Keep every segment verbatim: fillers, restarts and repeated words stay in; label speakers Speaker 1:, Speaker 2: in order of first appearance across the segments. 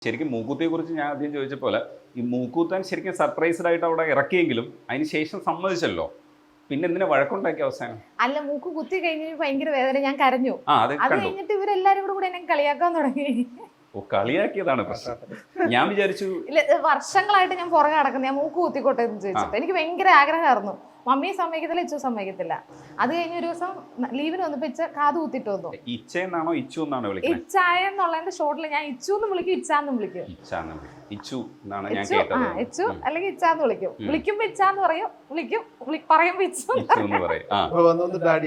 Speaker 1: ശരിക്കും മൂക്കൂത്തിയെ കുറിച്ച് ഞാൻ ആദ്യം ചോദിച്ച പോലെ ഈ മൂക്കൂത്താൻ ശരിക്കും സർപ്രൈസ്ഡ് ആയിട്ട് അവിടെ ഇറക്കിയെങ്കിലും അതിന് ശേഷം സമ്മതിച്ചല്ലോ. പിന്നെ എന്തിനാ വഴക്കുണ്ടാക്കിയ അവസാനം?
Speaker 2: അല്ല, മൂക്ക് കുത്തി കഴിഞ്ഞ ഭയങ്കര വേദന, ഞാൻ കരഞ്ഞു.
Speaker 1: ആ അത്
Speaker 2: അത് കഴിഞ്ഞിട്ട് ഇവരെല്ലാരും കൂടെ എന്നെ കളിയാക്കാൻ തുടങ്ങി.
Speaker 1: ഓ, കളിയാക്കിയതാണ് പ്രശ്നം. ഞാൻ വിചാരിച്ചു
Speaker 2: ഇല്ല, വർഷങ്ങളായിട്ട് ഞാൻ പുറകെ നടക്കുന്നത്, ഞാൻ മൂക്ക് കുത്തിക്കോട്ടെ എന്ന് ചോദിച്ചിട്ട്. എനിക്ക് ഭയങ്കര ആഗ്രഹമായിരുന്നു. മമ്മിയെ സമ്മതിക്കത്തില്ല, ഇച്ചു സമ്മതിക്കത്തില്ല. അത് കഴിഞ്ഞ ഒരു ദിവസം ലീവിന് വന്നപ്പോ ഇച്ച കാത് കുത്തിട്ട് വന്നു.
Speaker 1: ഇച്ച എന്നാണോ ഇച്ചു എന്നാണോ വിളിക്കുന്നത്?
Speaker 2: ഇച്ചായ എന്നുള്ളതിന്റെ ഷോർട്ടിൽ ഞാൻ ഇച്ചു എന്ന് വിളിക്കും, ഇച്ചാന്ന് വിളിക്കും.
Speaker 1: ഇച്ചു എന്നാണ് ഞാൻ
Speaker 2: ഇച്ചു,
Speaker 1: കേട്ടത്.
Speaker 2: ആ ഇച്ചു അല്ലെങ്കിൽ ഇച്ചാന്ന് വിളിക്കും. വിളിക്കുമ്പോ ഇച്ചാന്ന് പറയും, വിളിക്കും പറയുമ്പോ ഇച്ചു
Speaker 1: എന്ന് പറയും.
Speaker 2: അപ്പൊ വന്നു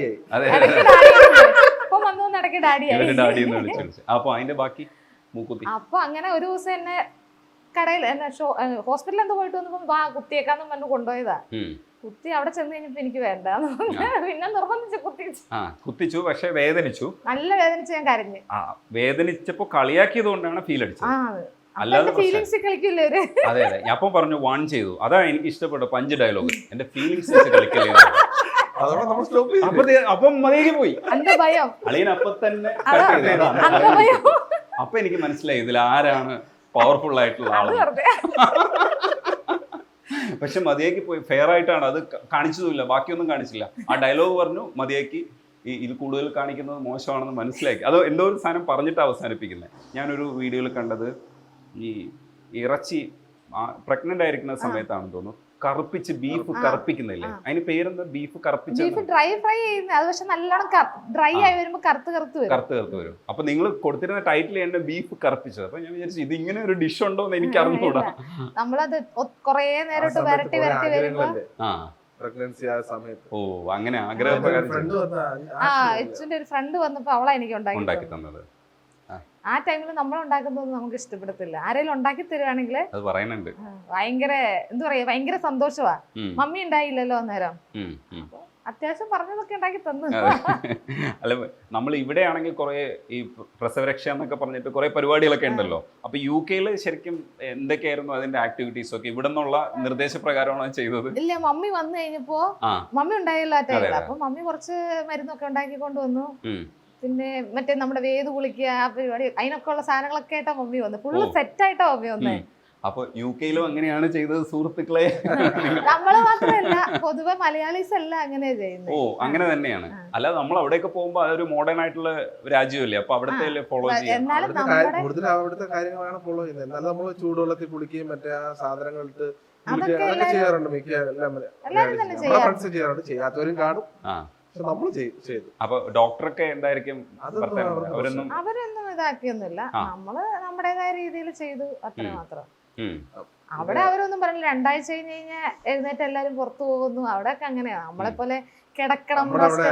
Speaker 2: ഇടയ്ക്ക് ഡാഡിയായി.
Speaker 1: അപ്പൊ അതിന്റെ ബാക്കി മൂക്കുത്തി.
Speaker 2: അപ്പൊ അങ്ങനെ ഒരു ദിവസം എന്നെ കടയിൽ എന്നെ ഹോസ്പിറ്റലിൽ എന്തോ പോയിട്ട് വന്നപ്പോ വാ കുത്തിയേക്കാന്നും പറഞ്ഞു കൊണ്ടുപോയതാ. കുത്തി അവിടെ ചെന്ന് കഴിഞ്ഞപ്പോ എനിക്ക് വേണ്ട, പിന്നെ നിർബന്ധിച്ച് കുത്തിച്ചു.
Speaker 1: ആ കുത്തിച്ചു, പക്ഷെ വേദനിച്ചു,
Speaker 2: നല്ല വേദനിച്ച് ഞാൻ കരഞ്ഞു.
Speaker 1: ആ വേദനിച്ചപ്പോ കളിയാക്കിയത് കൊണ്ടാണ് ഫീൽ അടിച്ചത്.
Speaker 2: അല്ലാതെ ഫീലിംഗ്സ് കളിക്കില്ലേ അവര്?
Speaker 1: അതെ അതെ, ഞാൻ അപ്പം പറഞ്ഞു വാൺ ചെയ്തു. അതാണ് എനിക്ക് ഇഷ്ടപ്പെട്ട പഞ്ച് ഡയലോഗ്, എന്റെ ഫീലിംഗ്സ് വെച്ച് കളിക്കല്ലേ. അപ്പം മതിയേക്ക് പോയി
Speaker 2: എന്റെ ഭയം
Speaker 1: അളിയൻ അപ്പൊ തന്നെ. അപ്പൊ എനിക്ക് മനസ്സിലായി ഇതിൽ ആരാണ് പവർഫുൾ ആയിട്ടുള്ള ആള്. പക്ഷെ മതിയാക്കി പോയി, ഫെയർ ആയിട്ടാണ് അത് കാണിച്ചതുമില്ല, ബാക്കിയൊന്നും കാണിച്ചില്ല. ആ ഡയലോഗ് പറഞ്ഞു മതിയാക്കി, ഈ ഇത് കൂടുതൽ കാണിക്കുന്നത് മോശമാണെന്ന് മനസ്സിലാക്കി. അത് എന്തോ ഒരു സാധനം പറഞ്ഞിട്ട് അവസാനിപ്പിക്കുന്നത്. ഞാനൊരു വീഡിയോയിൽ കണ്ടത് ഈ ഇറച്ചി പ്രഗ്നന്റ് ആയിരിക്കുന്ന സമയത്താണെന്ന് തോന്നുന്നു കറുപ്പിച്ച് ബീഫ് കറുപ്പിക്കുന്നില്ലേ, അതിന് പേരെന്താ? ബീഫ് കറുപ്പിച്ച്
Speaker 2: ഡ്രൈ ഫ്രൈ ചെയ്യുന്നത്. അത് പക്ഷെ നല്ലോണം ഡ്രൈ ആയി വരുമ്പോ കറുത്ത് കറുത്ത് വരും,
Speaker 1: കറുത്ത് കറുത്ത് വരും. അപ്പൊ നിങ്ങൾ കൊടുത്തിരുന്ന ടൈറ്റിൽ എന്നെ ബീഫ് കറുപ്പിച്ചത്. അപ്പൊ ഞാൻ വിചാരിച്ചു ഇത് ഇങ്ങനെ ഒരു ഡിഷ് ഉണ്ടോ എന്ന് എനിക്ക് അറിഞ്ഞൂടാ.
Speaker 2: നമ്മളത് കൊറേ നേരിട്ട് വരട്ടി വരട്ടി വരുമ്പോ
Speaker 1: ഓ അങ്ങനെ ആഗ്രഹപ്രകാരം
Speaker 2: ആ ഇച്ചുന്റെ ഒരു ഫ്രണ്ട് വന്നപ്പോ അവളാ എനിക്ക്
Speaker 1: ഉണ്ടാക്കി തന്നത്.
Speaker 2: ആ ടൈമിൽ നമ്മൾ ഉണ്ടാക്കുന്നത് നമുക്ക് ഇഷ്ടപ്പെടത്തില്ല. ആരെങ്കിലും ഉണ്ടാക്കി തരുവാണെങ്കിൽ
Speaker 1: അത് പറയുന്നുണ്ട്,
Speaker 2: ഭയങ്കര എന്താ പറയാ, ഭയങ്കര സന്തോഷമാ. മമ്മി ഉണ്ടായില്ലല്ലോ അന്നേരം, അത്യാവശ്യം പറഞ്ഞതൊക്കെ ഉണ്ടാക്കി തന്നു.
Speaker 1: അല്ല, നമ്മൾ ഇവിടെ ആണെങ്കിൽ കുറെ ഈ പ്രസവരക്ഷ എന്നൊക്കെ പറഞ്ഞിട്ട് കുറെ പരിപാടികളൊക്കെ ഉണ്ടല്ലോ. അപ്പൊ യു കെയില് ശരിക്കും എന്തൊക്കെയായിരുന്നു അതിന്റെ ആക്ടിവിറ്റീസ് ഒക്കെ? ഇവിടെ നിന്നുള്ള നിർദ്ദേശപ്രകാരമാണ് ചെയ്തത്?
Speaker 2: ഇല്ല, മമ്മി വന്നു കഴിഞ്ഞപ്പോ മമ്മി ഉണ്ടായല്ലോ ആ ടൈമിൽ. അപ്പൊ മമ്മി കുറച്ച് മരുന്നൊക്കെ ഉണ്ടാക്കി കൊണ്ടുവന്നു. പിന്നെ മറ്റേ നമ്മുടെ വേത് കുളിക്കുക, ആ പരിപാടി, അതിനൊക്കെ ഉള്ള സാധനങ്ങളൊക്കെ ആയിട്ടാ മമ്മി വന്നു. ഫുള്ള് സെറ്റ് ആയിട്ടാ മമ്മി വന്നേ.
Speaker 1: അപ്പൊ യു കെയിലും അങ്ങനെയാണ് ചെയ്തത് സുഹൃത്തുക്കളെ?
Speaker 2: നമ്മള് മാത്രമല്ല, പൊതുവെ മലയാളീസ് എല്ലാം അങ്ങനെയാ ചെയ്യുന്നത്.
Speaker 1: ഓ അങ്ങനെ തന്നെയാണ്. അല്ലാതെ നമ്മൾ അവിടെയൊക്കെ പോകുമ്പോ അതൊരു മോഡേൺ ആയിട്ടുള്ള രാജ്യമല്ലേ, അപ്പൊ അവിടുത്തെ ഫോളോ ചെയ്യാം.
Speaker 3: കൂടുതൽ അവിടുത്തെ കാര്യങ്ങളാണ് ഫോളോ ചെയ്യുന്നത്. എന്നാലും നമ്മൾ ചൂടുവെള്ളത്തിൽ കുളിക്കുകയും മറ്റേ ആ സാധനങ്ങൾ ഇട്ട് ചെയ്യാറുണ്ട്. മിക്ക ഫ്രണ്ട്സ് ചെയ്യാറുണ്ട്, ചെയ്യാത്തവരും കാണും. നമ്മൾ ചെയ്തു.
Speaker 1: അപ്പൊ ഡോക്ടറൊക്കെ എന്തായിരിക്കും?
Speaker 2: അവരൊന്നും ഇതാക്കിയൊന്നുമില്ല, നമ്മള് നമ്മുടേതായ രീതിയിൽ ചെയ്തു, അത്ര മാത്രം. അവിടെ അവരൊന്നും പറഞ്ഞില്ല. രണ്ടാഴ്ച കഴിഞ്ഞ് കഴിഞ്ഞാൽ എഴുന്നേറ്റ് എല്ലാരും പുറത്തു പോകുന്നു. അവിടെയൊക്കെ അങ്ങനെയാ. നമ്മളെ പോലെ കിടക്കണം,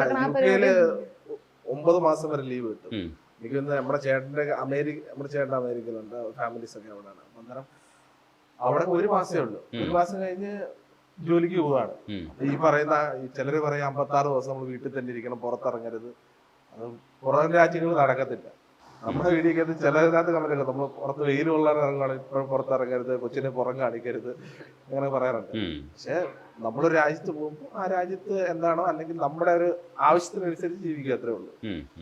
Speaker 3: ഒമ്പത് മാസം വരെ ലീവ് കിട്ടും. എനിക്ക് നമ്മുടെ ചേട്ടന്റെ അമേരിക്ക നമ്മുടെ ചേട്ടൻ അമേരിക്കയിലുണ്ട്, ഫാമിലീസ് ഒക്കെ അവിടെയാണ്. അന്നേരം അവിടെ ഒരു മാസമേ ഉള്ളൂ. ഒരു മാസം കഴിഞ്ഞ് ജോലിക്ക് പോവാണ്. ഈ പറയുന്ന ചിലര് പറയും അമ്പത്തി ആറ് ദിവസം നമ്മൾ വീട്ടിൽ തന്നെ ഇരിക്കണം, പുറത്തിറങ്ങരുത്. അത് പുറം രാജ്യങ്ങളിൽ നടക്കത്തില്ല. നമ്മുടെ വീടിക്കകത്ത് ചിലതിനകത്ത് കമന്റൊക്കെ നമ്മൾ പുറത്ത് വെയിൽ കൊള്ളാൻ ഇറങ്ങുകയാണ്, ഇപ്പോഴും പുറത്തിറങ്ങരുത്, കൊച്ചിനെ പുറം കാണിക്കരുത്, അങ്ങനെ പറയാറുണ്ട്. പക്ഷെ നമ്മളൊരു രാജ്യത്ത് പോകുമ്പോൾ ആ രാജ്യത്ത് എന്താണോ അല്ലെങ്കിൽ നമ്മുടെ ഒരു ആവശ്യത്തിനനുസരിച്ച് ജീവിക്കുക, അത്രേ ഉള്ളൂ.